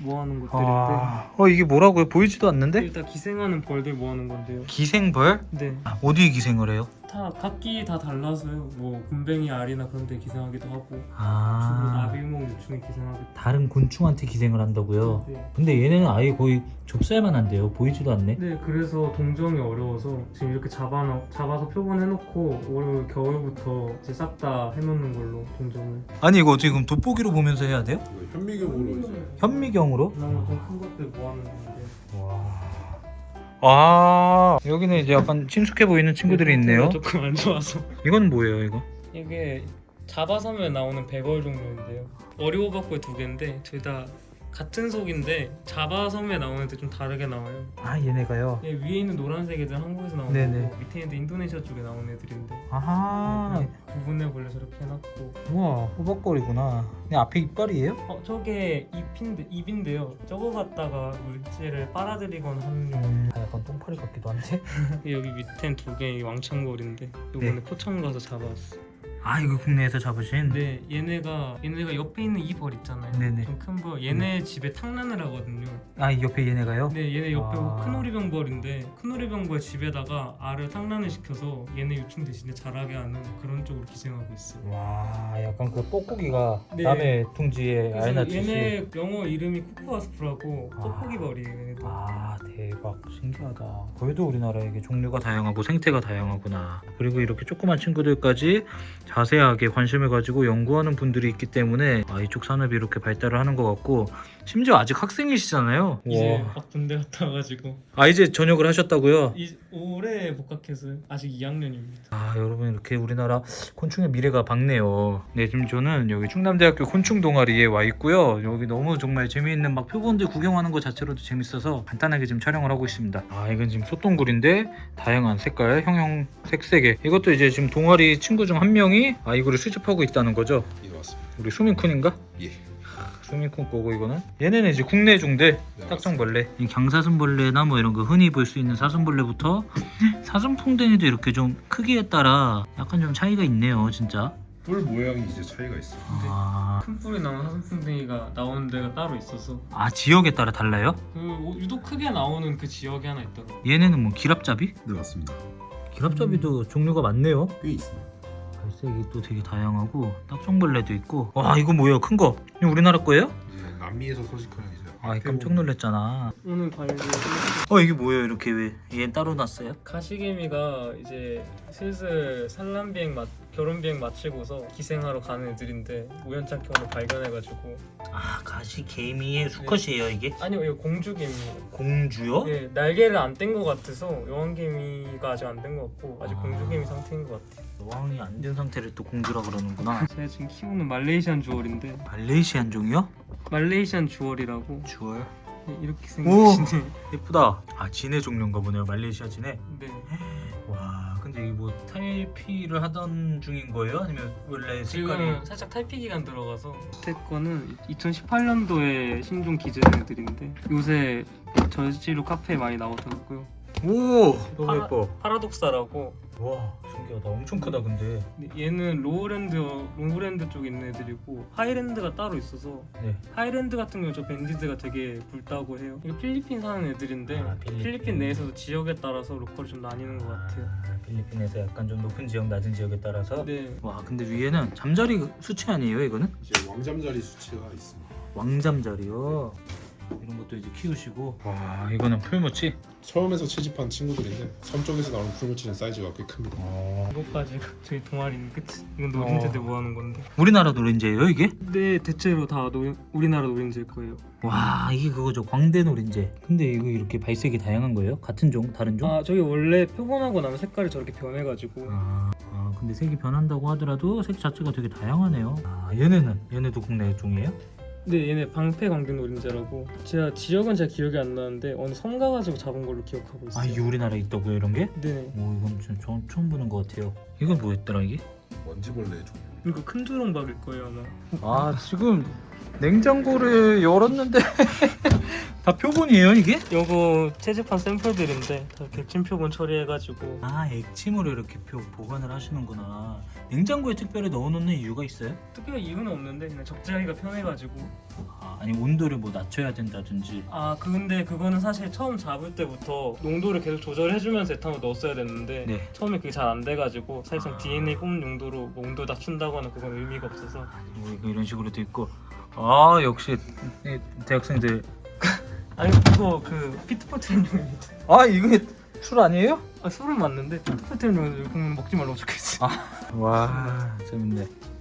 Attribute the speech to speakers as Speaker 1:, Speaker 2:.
Speaker 1: 모아놓은 것들인데
Speaker 2: 이게 뭐라고요? 보이지도 않는데?
Speaker 1: 일단 기생하는 벌들 모아놓은 건데요.
Speaker 2: 기생벌?
Speaker 1: 네.
Speaker 2: 어디에 기생을 해요?
Speaker 1: 다 각기 다 달라서요. 뭐 굼벵이, 알이나 그런 데 기생하기도 하고 주로
Speaker 2: 아,
Speaker 1: 나비구멍 유충에 기생하기도
Speaker 2: 다른 곤충한테 기생을 한다고요?
Speaker 1: 하고. 네.
Speaker 2: 근데 얘네는 아예 거의 좁쌀만 한데요. 보이지도 않네.
Speaker 1: 네, 그래서 동정이 어려워서 지금 이렇게 잡아서 표본해놓고 올 겨울부터 이제 싹 다 해놓는 걸로 동정을.
Speaker 2: 아니 이거 어떻게 그럼 돋보기로 보면서 해야 돼요?
Speaker 3: 이거 현미경으로 이제
Speaker 2: 현미경으로?
Speaker 1: 그나마 좀 큰 것들 모아놓는 건데.
Speaker 2: 와. 여기는 이제 약간 친숙해 보이는 친구들이 있네요.
Speaker 1: 조금 안 좋아서.
Speaker 2: 이건 뭐예요 이거?
Speaker 1: 이게 잡아서면 나오는 백월 종류인데요. 어리오박고의 두 개인데 둘 다 같은 속인데 잡아섬에 나오는데 좀 다르게 나와요.
Speaker 2: 아 얘네가요?
Speaker 1: 예, 위에 있는 노란색 애들은 한국에서 나오는
Speaker 2: 네네.
Speaker 1: 거고 밑에 있는 인도네시아 쪽에 나오는 애들인데
Speaker 2: 아하.
Speaker 1: 구분해 볼래 저렇게 해놨고.
Speaker 2: 우와 호박거리구나. 근데 앞에 이빨이에요?
Speaker 1: 저게 잎인데요. 저거 갖다가 물질을 빨아들이거나 하는 용.
Speaker 2: 약간 똥파리 같기도 한데?
Speaker 1: 여기 밑엔 두 개의 왕창거리인데 요번에
Speaker 2: 네.
Speaker 1: 포천 가서 잡아왔어.
Speaker 2: 아 이거 국내에서 잡으신?
Speaker 1: 근데 얘네가 옆에 있는 이 벌 있잖아요.
Speaker 2: 네네.
Speaker 1: 좀 큰 벌. 얘네 집에 탕란을 하거든요.
Speaker 2: 아 이 옆에 얘네가요?
Speaker 1: 네, 얘네 옆에
Speaker 2: 아.
Speaker 1: 큰 오리병벌인데 큰 오리병벌 집에다가 알을 탕란을 시켜서 얘네 유충 대신에 자라게 하는 그런 쪽으로 기생하고 있어요.
Speaker 2: 와 약간 그 뽁뽁이가
Speaker 1: 네.
Speaker 2: 남의 둥지에
Speaker 1: 그래서
Speaker 2: 알나듯이.
Speaker 1: 얘네 영어 이름이 코코아스프라고
Speaker 2: 아.
Speaker 1: 뽁뽁이벌이에요. 얘네도.
Speaker 2: 아 대박 신기하다. 그래도 우리나라에 이게 종류가 다양하고 생태가 다양하구나. 그리고 이렇게 조그만 친구들까지 자세하게 관심을 가지고 연구하는 분들이 있기 때문에 이쪽 산업이 이렇게 발달을 하는 것 같고, 심지어 아직 학생이시잖아요.
Speaker 1: 이제
Speaker 2: 우와.
Speaker 1: 막 군대 갔다 와가지고
Speaker 2: 이제 전역을 하셨다고요?
Speaker 1: 올해 복학해서 아직 2학년입니다.
Speaker 2: 여러분 이렇게 우리나라 곤충의 미래가 밝네요. 네, 지금 저는 여기 충남대학교 곤충 동아리에 와 있고요. 여기 너무 정말 재미있는 막 표본들 구경하는 것 자체로도 재밌어서 간단하게 지금 촬영을 하고 있습니다. 이건 지금 소똥굴인데 다양한 색깔, 형형 색색의, 이것도 이제 지금 동아리 친구 중 한 명이 이거를 수집하고 있다는 거죠.
Speaker 3: 예 맞습니다.
Speaker 2: 우리 수민쿤인가?
Speaker 3: 예.
Speaker 2: 수민쿤 거고, 이거는 얘네는 이제 국내 중대
Speaker 3: 네,
Speaker 2: 딱정벌레, 이 강사슴벌레나 뭐 이런 거 흔히 볼 수 있는 사슴벌레부터 사슴풍뎅이도 이렇게 좀 크기에 따라 약간 좀 차이가 있네요 진짜.
Speaker 3: 뿔 모양이 이제 차이가 있어요.
Speaker 1: 큰 뿔이 나오는 사슴풍뎅이가 나오는 데가 따로 있어서
Speaker 2: 지역에 따라 달라요?
Speaker 1: 유독 크게 나오는 그 지역이 하나 있더라고요.
Speaker 2: 얘네는 뭐 기랍잡이?
Speaker 3: 네 맞습니다.
Speaker 2: 기랍잡이도 종류가 많네요.
Speaker 3: 꽤 있습니다.
Speaker 2: 발색이 또 되게 다양하고 딱정벌레도 있고. 이거 뭐예요? 큰 거? 이거 우리나라 거예요?
Speaker 3: 이제 남미에서 서식하는 이제
Speaker 2: 깜짝 놀랐잖아.
Speaker 1: 오늘 관리
Speaker 2: 이게 뭐예요? 이렇게 왜 얘는 따로 놨어요?
Speaker 1: 가시개미가 이제 슬슬 산란비행 결혼비행 마치고서 기생하러 가는 애들인데 우연찮게 오늘 발견해가지고.
Speaker 2: 가시개미의 수컷이에요 이게?
Speaker 1: 아니요, 이거 공주개미예요.
Speaker 2: 공주요?
Speaker 1: 네, 날개를 안 뗀 것 같아서 여왕개미가 아직 안 된 것 같고 아직 공주개미 상태인 것 같아요.
Speaker 2: 여왕이 안 된 상태를 또 공주라 그러는구나.
Speaker 1: 제가 지금 키우는 말레이시안 주얼인데,
Speaker 2: 말레이시안 종이요?
Speaker 1: 말레이시안 주얼이라고.
Speaker 2: 주얼.
Speaker 1: 네, 이렇게 생기시네.
Speaker 2: 예쁘다. 진해 종류인가 보네요. 말레이시아 진해.
Speaker 1: 네.
Speaker 2: 와, 근데 이게 뭐 탈피를 하던 중인 거예요? 아니면 원래 색깔이?
Speaker 1: 지금 살짝 탈피 기간 들어가서 밑에 거는 2018년도에 신종 기재된 애들인데 요새 저지로 카페에 많이 나오더라고요.
Speaker 2: 오, 너무 예뻐.
Speaker 1: 파라독사라고.
Speaker 2: 와, 신기하다. 엄청 크다 근데.
Speaker 1: 얘는 로우랜드 쪽에 있는 애들이고 하이랜드가 따로 있어서,
Speaker 2: 네.
Speaker 1: 하이랜드 같은 경우 저 밴디드가 되게 굵다고 해요. 이거 필리핀 사는 애들인데 필리핀 내에서도 지역에 따라서 로컬이 좀 나뉘는 것 같아요.
Speaker 2: 필리핀에서 약간 좀 높은 지역, 낮은 지역에 따라서.
Speaker 1: 네.
Speaker 2: 와, 근데 위에는 잠자리 수치 아니에요 이거는?
Speaker 3: 이제 왕잠자리 수치가 있습니다.
Speaker 2: 왕잠자리요. 이런 것도 이제 키우시고. 와, 이거는 풀무치.
Speaker 3: 처음에서 채집한 친구들인데 섬 쪽에서 나오는 풀무치는 사이즈가 꽤 큽니다.
Speaker 1: 이것까지 저희 동아리는 끝. 이건 노린재들 모아놓은 건데.
Speaker 2: 우리나라 노린재예요 이게?
Speaker 1: 네, 대체로 다 우리나라 노린재일 거예요.
Speaker 2: 와, 이게 그거죠. 광대 노린재. 근데 이거 이렇게 발색이 다양한 거예요? 같은 종? 다른 종?
Speaker 1: 저기 원래 표본하고 나면 색깔이 저렇게 변해가지고.
Speaker 2: 근데 색이 변한다고 하더라도 색 자체가 되게 다양하네요. 얘네도 국내 종이에요?
Speaker 1: 네, 얘네 방패 광대 노린재라고. 지역은 제가 기억이 안 나는데 어느 섬 가가지고 잡은 걸로 기억하고 있어요.
Speaker 2: 이게 우리나라에 있다고요 이런 게?
Speaker 1: 네.
Speaker 2: 이건 좀 처음 보는 것 같아요. 이건 뭐였더라 이게?
Speaker 3: 먼지벌레 종류.
Speaker 1: 이거 큰 두렁박일 거예요 아마.
Speaker 2: 지금 냉장고를 열었는데 다 표본이에요 이게?
Speaker 1: 요거 채집한 샘플들인데 다 객침 표본 처리해가지고
Speaker 2: 아 액침으로 이렇게 보관을 하시는구나. 냉장고에 특별히 넣어놓는 이유가 있어요?
Speaker 1: 특별히 이유는 없는데 그냥 적재하기가 편해가지고.
Speaker 2: 아니 온도를 뭐 낮춰야 된다든지.
Speaker 1: 근데 그거는 사실 처음 잡을 때부터 농도를 계속 조절해주면서 에탄올 넣었어야 됐는데
Speaker 2: 네.
Speaker 1: 처음에 그게 잘 안 돼가지고 사실상 DNA 뽑는 용도로 뭐 온도 낮춘다거나 그건 의미가 없어서.
Speaker 2: 이거 이런 식으로 돼 있고. 아 역시 이 대학생들.
Speaker 1: 아니 이거 그 피트포트린용입니다.
Speaker 2: 아 이거 술 아니에요?
Speaker 1: 술은 맞는데 피트포트린용 먹지 말라고 적혀있어.
Speaker 2: 와 재밌네.